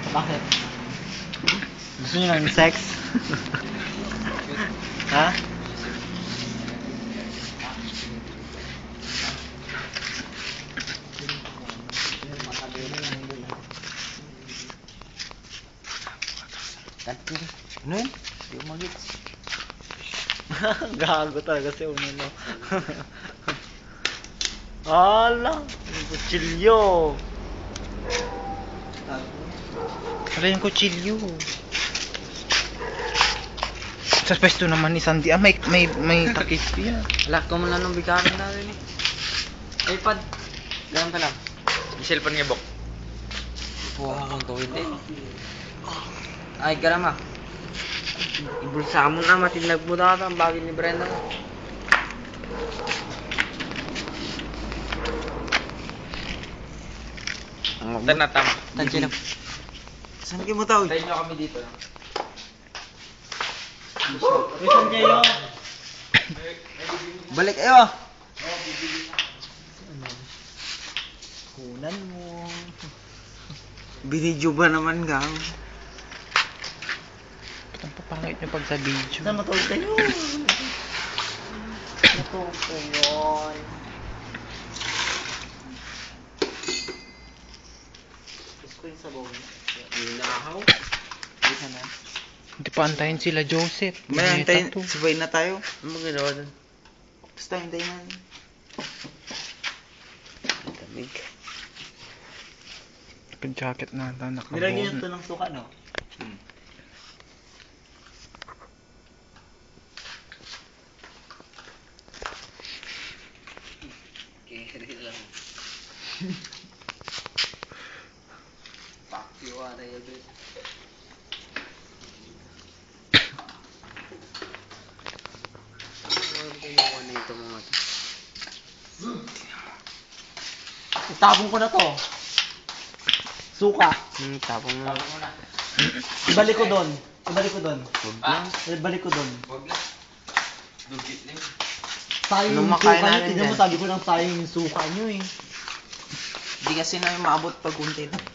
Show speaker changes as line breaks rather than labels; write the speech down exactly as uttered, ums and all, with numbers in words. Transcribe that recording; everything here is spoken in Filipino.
Bakit? Gusto niyo ng sex? Ha? Ano yun? Hindi ko mag-gets. Gago talaga si Uno, no? Ala! Yung kutsilyo! Ala yung kutsilyo! Sa pwesto naman ni Sandy, ah, may, may, may takip yan.
Wala ko man lang nung bigaran natin eh. iPad. Ganun ka lang. Yung cellphone niya, Bok. Buha kong tuwid eh. Ay, garam ah. Ibulsa mo na, matinag mo na ang bagay ni Brenda. Tan na tama.
Tansya na. Saan kayo mo tao?
Tayo nyo kami dito.
Saan kayo? Balik kayo! Kunan mo. Binidyo ba naman ka?
Ang papangit niyo pag sa video.
Saan matulog kayo? Matulog kayo. Gusto ko yung sabaw niya.
Inahaw.
Dito na.
Hindi pa antayin sila Joseph.
May antayin,
tattoo.
sabay na tayo.
Ano mo ginawa dun?
Basta hintayin natin.
Damig.
Naka-jacket na ata, nakabuo.
Nilagyan ito ng suka, no?
Hmm. Keri lang. Fuck you, are you good? Ano kinuha na ito mga ito?
Itapon ko na to. Suka.
Hmm, tapong mo.
Ibalik ko doon. Ibalik ko doon.
Huwag lang.
Ibalik ko doon.
Huwag lang. Dugit lang.
Sayang
Nung
yung
makain
suka nyo.
natin
Tignan mo,
yan.
sabi ko lang sayang yung suka nyo eh.
Hindi kasi na maabot pag unti na.